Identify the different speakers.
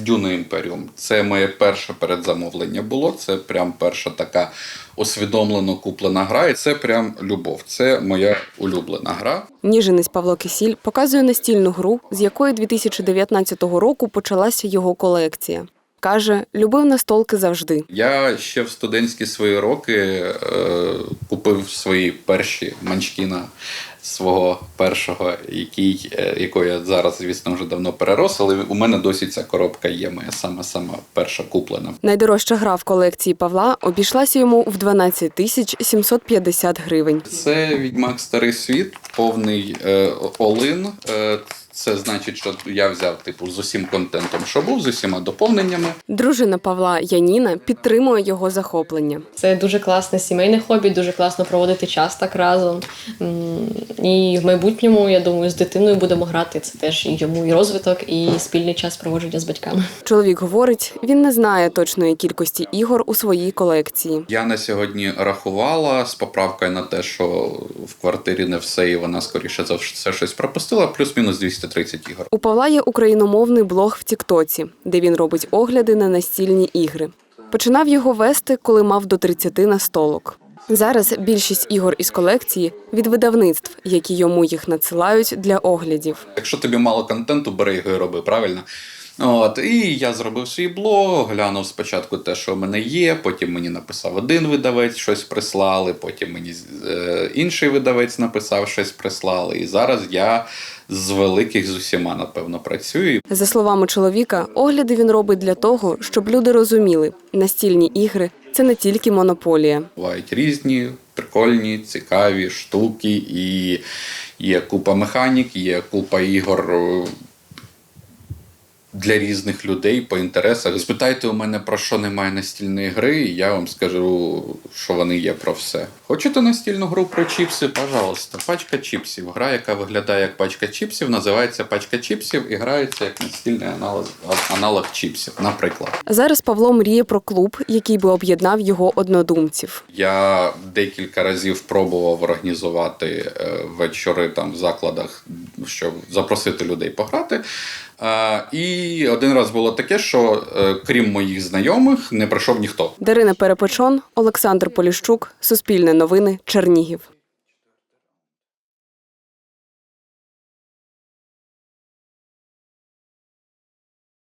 Speaker 1: Dune Imperium. Це моє перше передзамовлення було. Це прям перша така усвідомлено куплена гра. І це прям любов. Це моя улюблена гра.
Speaker 2: Ніжинець Павло Кисіль показує настільну гру, з якої 2019 року почалася його колекція. Каже, любив настолки завжди. Я
Speaker 1: ще в студентські свої роки купив свої перші Манчкіна свого першого, якого я зараз, звісно, вже давно перерос, але у мене досі ця коробка є, моя сама перша куплена.
Speaker 2: Найдорожча гра в колекції Павла обійшлася йому в 12 750 гривень.
Speaker 1: Це «Відьмак. Старий світ», повний all-in. Це значить, що я взяв з усім контентом, що був, з усіма доповненнями.
Speaker 2: Дружина Павла Яніна підтримує його захоплення.
Speaker 3: Це дуже класне сімейне хобі, дуже класно проводити час так разом. І в майбутньому, я думаю, з дитиною будемо грати. Це теж і йому і розвиток, і спільний час проводження з батьками.
Speaker 2: Чоловік говорить, він не знає точної кількості ігор у своїй колекції.
Speaker 1: Я на сьогодні рахувала з поправкою на те, що в квартирі не все, і вона, скоріше за все, щось пропустила, плюс-мінус 230 ігор.
Speaker 2: У Павла є україномовний блог в Тіктоці, де він робить огляди на настільні ігри. Починав його вести, коли мав до 30 настолок. Зараз більшість ігор із колекції від видавництв, які йому їх надсилають для оглядів.
Speaker 1: Якщо тобі мало контенту, бери його і роби, правильно? І я зробив свій блог, глянув спочатку те, що в мене є, потім мені написав один видавець, щось прислали, потім мені інший видавець написав, щось прислали. І зараз я з великих з усіма, напевно, працюю.
Speaker 2: За словами чоловіка, огляди він робить для того, щоб люди розуміли, настільні ігри – це не тільки монополія.
Speaker 1: Бувають різні, прикольні, цікаві штуки, і є купа механік, є купа ігор для різних людей по інтересах. Спитайте у мене, про що немає настільної гри, і я вам скажу, що вони є про все. Хочете настільну гру про чіпси? Пожалуйста. Пачка чіпсів. Гра, яка виглядає як пачка чіпсів, називається пачка чіпсів і грається як настільний аналог чіпсів, наприклад.
Speaker 2: Зараз Павло мріє про клуб, який би об'єднав його однодумців.
Speaker 1: Я декілька разів пробував організувати вечори в закладах, щоб запросити людей пограти. І один раз було таке, що крім моїх знайомих не прийшов ніхто.
Speaker 2: Дарина Перепечон, Олександр Поліщук, Суспільне новини, Чернігів.